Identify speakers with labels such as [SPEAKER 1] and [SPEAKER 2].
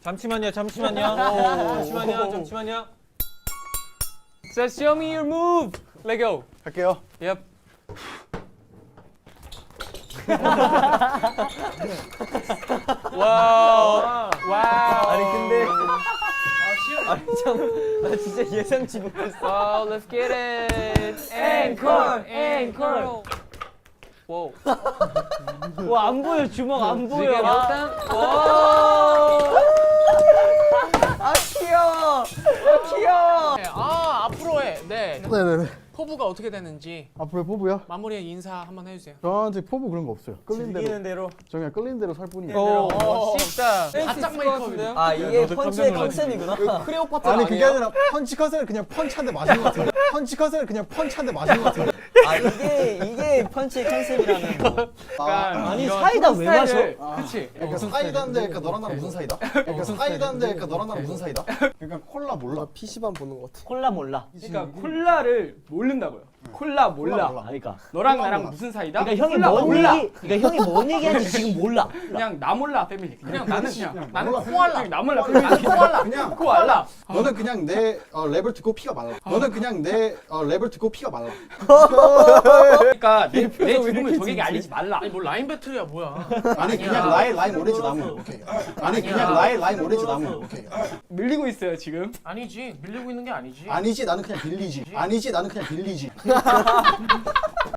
[SPEAKER 1] 잠시만요.
[SPEAKER 2] So show me your move. Let go.
[SPEAKER 3] 할게요.
[SPEAKER 2] Yep. 와우. 와우.
[SPEAKER 1] 아니 근데 나 진짜 예상치 못했어.
[SPEAKER 2] Wow, let's get it. Encore, encore. Wow.
[SPEAKER 1] 와 안 보여 주먹 안 보여.
[SPEAKER 2] 지금 일단
[SPEAKER 1] 아 귀여워. 귀여워.
[SPEAKER 4] 아 앞으로 해. 네.
[SPEAKER 3] 네네네.
[SPEAKER 4] 포부가 어떻게 되는지
[SPEAKER 3] 앞으로의 포부요?
[SPEAKER 4] 마무리에 인사 한번 해주세요.
[SPEAKER 3] 저한테 포부 그런 거 없어요. 끌린 대로.
[SPEAKER 1] 이기는 대로.
[SPEAKER 3] 저 그냥 끌린 대로 살 뿐이에요.
[SPEAKER 2] 오, 멋있다.
[SPEAKER 4] 바짝 메이크업인데요?
[SPEAKER 1] 아 이게 펀치의 컨셉이구나.
[SPEAKER 4] 크레오파트라
[SPEAKER 3] 아니 그게 아니라 펀치컷을 그냥 펀치 한 대 맞은 것 같은데. 펀치컷을 그냥 펀치 한 대 맞은 것 같은데.
[SPEAKER 1] 아 이게 펀치의 컨셉이라는 거.
[SPEAKER 2] 아니
[SPEAKER 1] 사이다 왜 마셔?
[SPEAKER 2] 그치.
[SPEAKER 3] 그러니까 사이다인데 그러니까 너랑 나랑 무슨 사이다? 그러니까 사이다인데 그러니까 너랑 나랑 무슨 사이다? 그러니까 콜라 몰라. PC방 보는 것 같아.
[SPEAKER 1] 콜라 몰라.
[SPEAKER 2] 그러니까 콜라를 모른다고요. 콜라 몰라.
[SPEAKER 1] 그러니까.
[SPEAKER 2] 너랑 나랑 무슨 사이다?
[SPEAKER 1] 그러니까 형이
[SPEAKER 2] 콜라
[SPEAKER 1] 뭔
[SPEAKER 2] 몰라.
[SPEAKER 1] 얘기, 그러니까 형이 뭔 얘기하는지 지금 몰라.
[SPEAKER 2] 그냥 나 몰라 패밀리. 그냥 나는 그냥
[SPEAKER 4] 나는 코알라.
[SPEAKER 2] 나 몰라 패밀리.
[SPEAKER 4] 코알라.
[SPEAKER 3] 그냥
[SPEAKER 2] 코알라.
[SPEAKER 3] 너는 그냥 내 랩을 듣고 피가 말라. 너는 그냥 내 랩을 듣고 피가 말라.
[SPEAKER 2] 그러니까 내 죽음을 적에게 알리지 말라.
[SPEAKER 4] 아니 뭐 라인 배틀이야 뭐야?
[SPEAKER 3] 아니 그냥 라임 오렌지 나무. 오케이. 아니 그냥 라임 오렌지 나무. 오케이.
[SPEAKER 2] 밀리고 있어요 지금.
[SPEAKER 4] 아니지 밀리고 있는 게 아니지.
[SPEAKER 3] 아니지 나는 그냥 빌리지. 아니지 나는 그냥 빌리지.